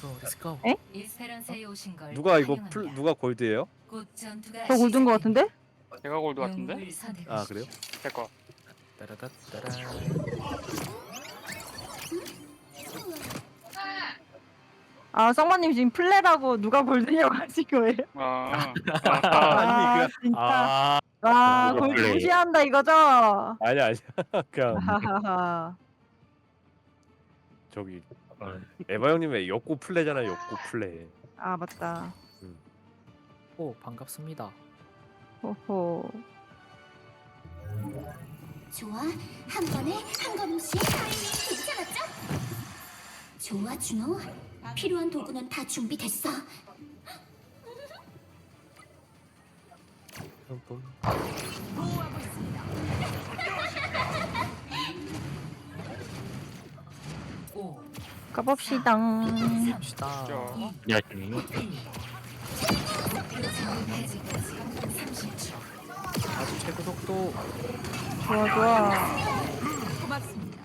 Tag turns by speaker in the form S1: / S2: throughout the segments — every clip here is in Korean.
S1: 렛츠고.
S2: 에?
S3: 이스페란사에 오신 걸
S4: 누가 이거
S3: 환영합니다.
S4: 누가 골드예요?
S3: 곧 전투가
S2: 저 골든 거
S3: 시작됩니다.
S2: 같은데?
S5: 제가 골드 같은데?
S3: 영웅을 선택하십시오.
S4: 아 그래요?
S5: 제거.
S1: 따라따따라.
S2: 아 쌍마님 지금 플레라고 누가 골든이라고 하신 거예요?
S5: 아,
S4: 아니,
S2: 진짜.
S1: 아,
S2: 와
S6: 누가
S2: 골드
S6: 플레이.
S2: 무시한다 이거죠?
S4: 아니야 그냥
S2: 하하하.
S4: 저기 에바 형님의 역고 플레잖아요. 역고 플레.
S2: 아 맞다.
S1: 오 반갑습니다.
S2: 호호.
S7: 좋아, 한 번에 한 걸음씩. 괜찮았죠? 좋아, 준호. 필요한 도구는 다 준비됐어.
S3: 오,
S2: 가봅시다.
S1: 갑시다.
S5: 저
S6: 야지.
S3: 해제까지 30초.
S1: 아주 최고 속도.
S2: 좋아 좋아.
S3: 고맙습니다.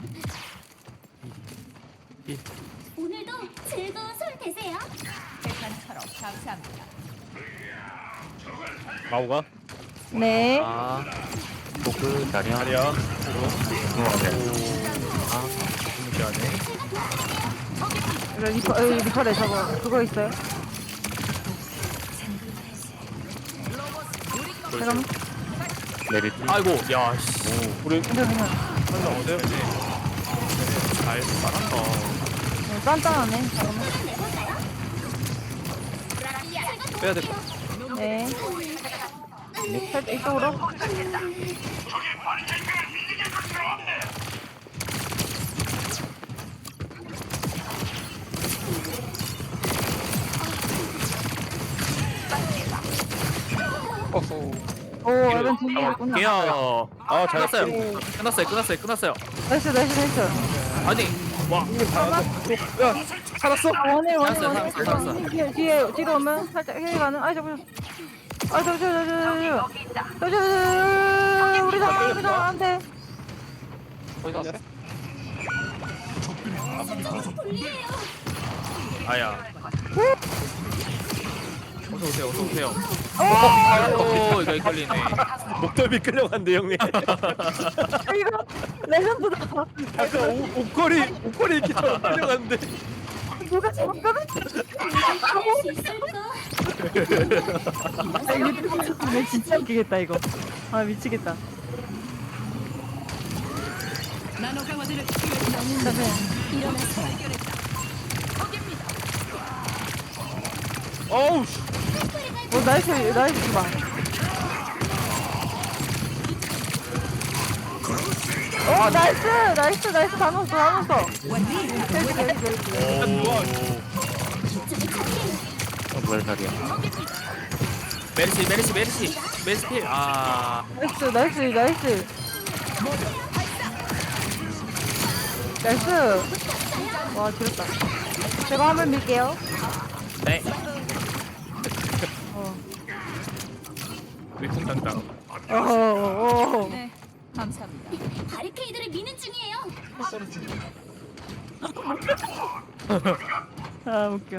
S7: 오늘도 즐거운 술 되세요.
S3: 백반처럼 감사합니다.
S4: 마오가
S2: 네.
S1: 아,
S6: 포크 자리야.
S4: 아니야.
S1: 아, 무시하네.
S2: 리퍼래 저거 그거 있어요? 잠깐만.
S6: 메리트.
S1: 아이고, 야, 씨.
S4: 우리
S2: 괜찮아.
S4: 한명 어때요?
S1: 잘 잘한다.
S2: 짠짠하네. 잠깐만.
S4: 빼야 돼.
S2: 네. 살짝 이쪽으로.
S5: 어허.
S2: 오, 이런 분위기구나.
S1: 개야.
S4: 아
S1: 끝났어요.
S4: 잘했어요.
S1: 끝났어요.
S2: 나이스, 나이스, 나이스.
S1: 아니, 와.
S4: 야 살았어.
S2: 아, 원해, 원해,
S1: 알았어,
S2: 원해.
S1: 알았어.
S2: 뒤로 오면 살짝 힐 가는. 아이, 잠깐만. 아, 우리 다, 안 돼.
S5: 어디 갔어요?
S1: 아야. 어서 오세요, 어서 오세요. 아이고, 이거 헷갈리네.
S4: 목덜미 끌려간대 형님.
S2: 아, 이거 레전드다.
S4: 약간 옷걸이 이렇게 끌려갔는데.
S2: 누가 잡았거든?
S7: 할수 있을까?
S2: 아, 이거 진짜 웃기겠다, 이거. 아, 미치겠다.
S3: 나노 강화제를
S7: 일어나서
S4: 어우 씨.
S2: 나이스, 나이스, 주방. 나이스, 다 넣었어.
S6: 뭐야 자리야.
S1: 메리시 필. 아,
S2: 나이스. 와, 지렸다. 제가 한번 밀게요.
S1: 네.
S2: 어.
S1: 위풍당당.
S2: 어허.
S3: 네, 감사합니다.
S7: 바리케이드를 미는 중이에요.
S2: 아, 웃겨.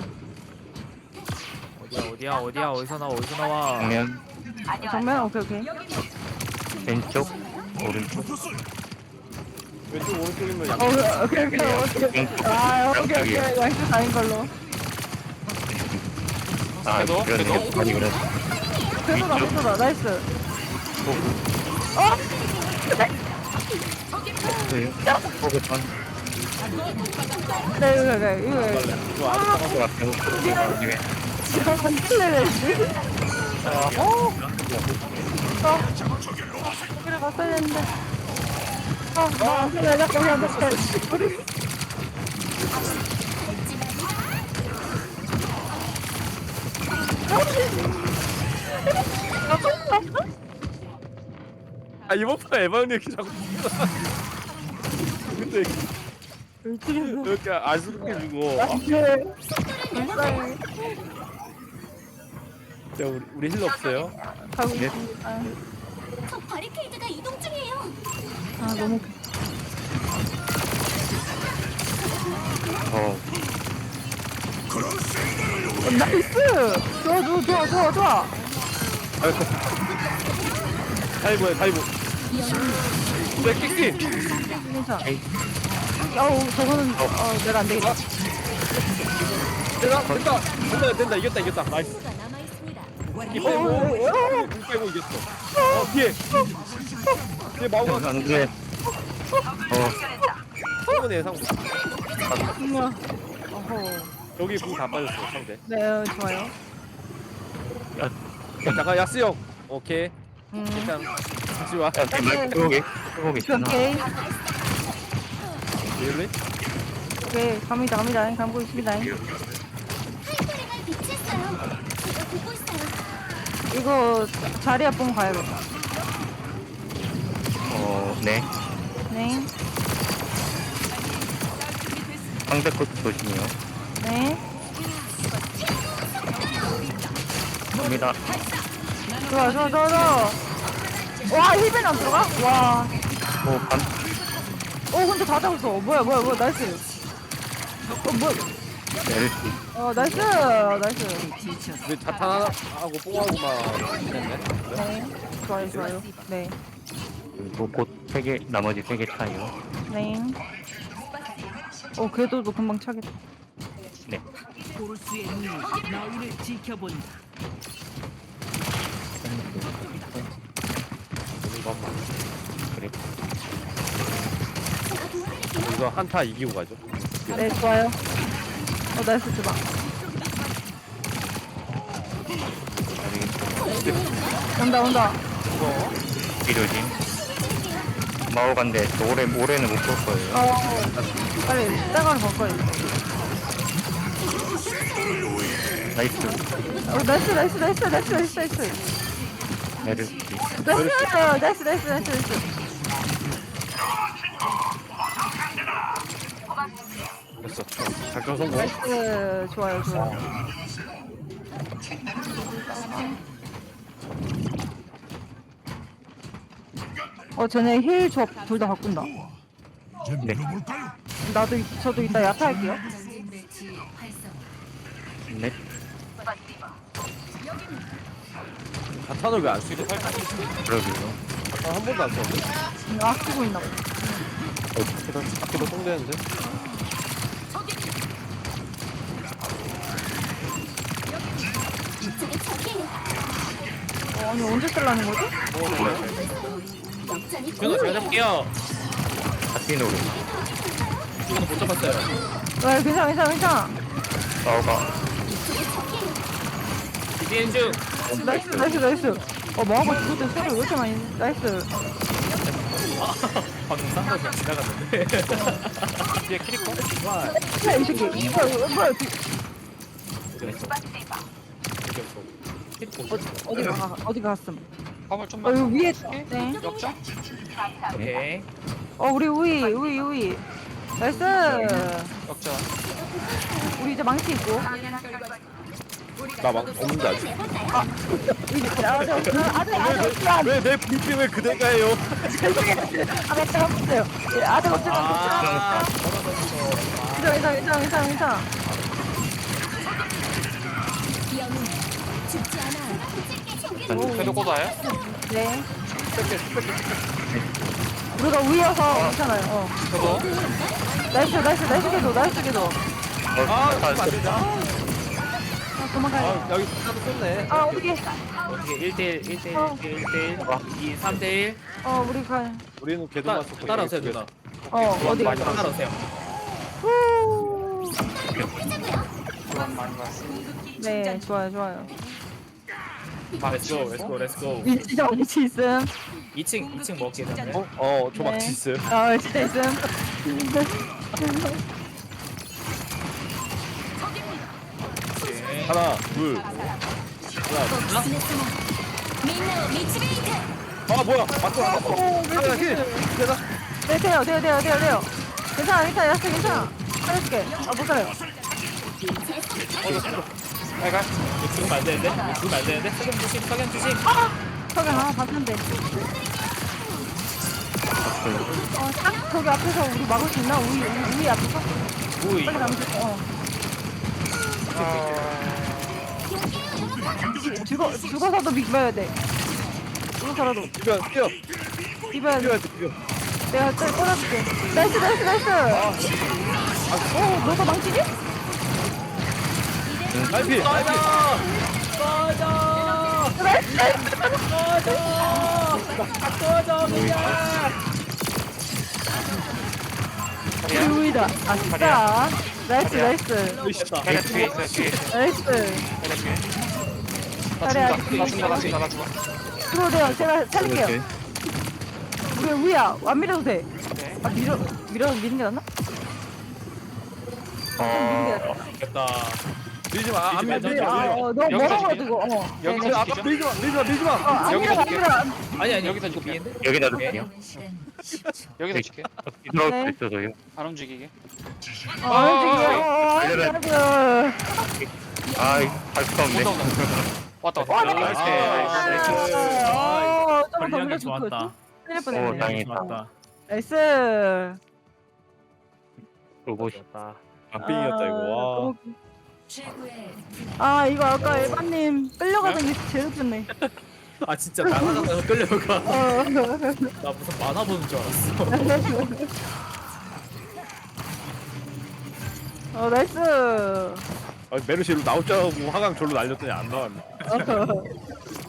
S1: 어디야? 어디서 나와?
S6: 정면
S2: 정면? 오케이.
S6: 왼쪽 오른쪽.
S4: 왼쪽 오른쪽이면 양.
S2: 오케이. 아, 오케이. 나이스 다인 걸로.
S6: 아
S5: 그래도?
S6: 그러네. 아니 그래.
S2: 회수다. 나이스.
S6: 포크 전.
S2: 네, 이거.
S4: 이거 아직
S6: 포크 같은 중에.
S2: 지금 한킬레를 여기를 갔어야 했는데. 안 돼. 잠깐만.
S4: 아 이번 판 에바 형님 이렇게 자꾸. 근데 이렇게 안쓰럽게 주고. 자 우리 힐러 없어요?
S2: 가고 있습니다.
S7: 저 바리케이드가 이동 중이에요.
S2: 아, 너무. 나이스. 좋아.
S4: 다이브야 다이브. 내 끼끼.
S2: 괜찮아. 어우 저거는 내가 안 되겠다.
S4: 된다 이겼다 나이스.
S7: 수가 남아 있습니다.
S4: 이 빼고 공 빼고 이겼어. 뒤에 마우가
S6: 안 돼.
S4: 성분의 상부.
S2: 어허.
S4: 여기 공 다 빠졌어 상대.
S2: 네 좋아요.
S4: 잠깐 야스 형. 오케이.
S2: 음.
S4: 일단 다시 와.
S6: 끄고 있잖아.
S2: 오케이.
S4: really?
S2: 오케이 갑니다. 감고 있습니다.
S7: 하이퍼링을 비치했어요. 제가 보고 있어요.
S2: 이거 자리 앞보면 가야겠다.
S6: 네.
S2: 네.
S6: 상대 것 조심해요.
S2: 네.
S6: 갑니다.
S2: 좋아. 와 힐벤 안 들어가? 와.
S6: 반.
S2: 근데 다 잡았어. 뭐야 나이스. 뭐야.
S6: LT.
S2: 나이스.
S4: 근데 자탄하고 뽕하고만 했네.
S2: 네. 좋아요. 네.
S6: 그리고 곧 3개, 나머지 3개 차이요.
S2: 네. 궤도도 금방 차겠다.
S6: 네.
S3: 보루스의 눈이 너희를 지켜본다.
S6: 그래.
S4: 이거 한타 이기고 가죠.
S2: 네, 좋아요. 나이스 주방. 온다.
S6: 비료진. 마오간데 올해는 못 볼 거예요.
S2: 빨리 땡을 볼 거예요.
S6: 나이스.
S2: 나이스.
S6: LT.
S2: 나이스.
S4: 됐어. 작전 성공.
S2: 나이스. 좋아요. 쟤네 힐 조합 둘 다 바꾼다.
S6: 네.
S2: 저도 이따 야타 할게요.
S6: 네.
S4: 자탄을 왜 안 쓰지?
S6: 그러게요.
S4: 자탄 한 번도 안 썼는데.
S2: 아끼고 있나 봐.
S4: 아끼도 똥되는데.
S7: 이쪽에 적이에요.
S2: 아니 언제 쓰려는 거지?
S7: 역전이
S1: 제가 잘 잡게요.
S6: 같이 노래.
S1: 이거는 못 잡았어요.
S2: 네, 괜찮아.
S6: 마오가.
S1: 비디엔 중.
S2: 나이스. 뭐하고 죽을 때 소리 왜 이렇게 많이. 나이스.
S1: 방금 싼 거지 지나갔는데.
S5: 뒤에 키리코?
S2: 이 새끼. 뭐야. 어디 갔음?
S5: 화물 좀만
S2: 여기 위에. 네.
S5: 역전?
S1: 오케이.
S2: 우리 우이. 나이스.
S5: 역전.
S2: 우리 이제 망치 있고.
S4: 나 막 없는데 아직.
S2: 아직
S4: 왜내 브리핑을 그대가요?
S2: 아직 없어요. 아직 없어요.
S1: 아.
S2: 괜찮아.
S7: 영웅 죽지 않아.
S5: 그래도 고다요?
S2: 네. 우리가 위여서 괜찮아요.
S5: 저도.
S2: 나이스 개도.
S4: 안 되자.
S2: 도망가요.
S4: 여기 하도 썼네.
S2: 어떻게?
S1: 어떻게 1대1 2 3대1
S2: 우리 가.
S4: 우리는 걔도만 썼고.
S1: 따라오세요 누나.
S2: 어디?
S1: 따라오세요.
S5: 많이 봤어.
S2: 네, 좋아요.
S1: 렛츠고.
S2: 위치 있음.
S1: 2층 먹게 되네.
S4: 조막
S2: 네.
S4: 지스.
S2: 진짜 있음.
S4: 하나, 둘.
S7: 민나오 미치베이트.
S4: 뭐야? 맞고. 하나 힐. 되나?
S2: 네, 돼요. 괜찮아. 야스 괜찮아. 살려줄게. 못 살아요.
S5: 빨간.
S1: 죽으면 안 되는데. 석양 조심.
S2: 석양 봤는데. 딱 저기 앞에서 우리 막을 수 있나? 우리 앞에서?
S1: 우이.
S2: 빨리 가면 돼. 죽어서도 비벼야 돼. 죽어서라도
S4: 뛰어 뛰어
S2: 비벼야 돼.
S4: 뛰어야지 뛰어.
S2: 내가 또 꽂아줄게. 나이스. 너도 망치지?
S4: 나이피
S2: 우이다. 아싸. 나이스.
S5: 자리야 뒤에 있어 뒤에 있어.
S2: 나이스.
S5: 자리야 뒤에. 나 죽는다 나 죽어.
S2: 들어오세요. 제가 살릴게요. 우리 우야 안 밀어도 돼.
S5: 네.
S2: 아 미는 게 낫나?
S1: 됐다.
S4: 밀지 마. 안 밀지 마.
S2: 너
S5: 여기서
S2: 멀어가지고.
S5: 여기서
S2: 네네.
S5: 아까
S4: 밀지 마.
S2: 안
S5: 여기서
S2: 밀어.
S5: 줄게.
S1: 아니
S5: 여기서 줄게.
S6: 여기 놔둘게요.
S5: 여기서 줄게.
S6: 들어올
S2: 네.
S6: 수 있어서요.
S5: 안 움직이게.
S2: 움직여.
S6: 아이, 할 수가 없네.
S5: 왔다.
S2: 나이스. 좀더
S1: 관리하기
S2: 밀어줄
S1: 좋았다.
S2: 거. 때릴
S6: 오,
S2: 뻔했네.
S6: 다행이다.
S1: 좋았다.
S2: 나이스.
S6: 로봇이.
S4: 안 삥이었다 이거.
S2: 아 이거 아까 에바님 끌려가던 게 제일 웃겼네.
S1: 아 진짜 만화장에서 끌려가.
S2: 어.
S1: 나 무슨 만화 보는 줄 알았어.
S2: 나이스.
S4: 와. 메르시로 나올 줄 알고 화강 절로 날렸더니 안 나왔네.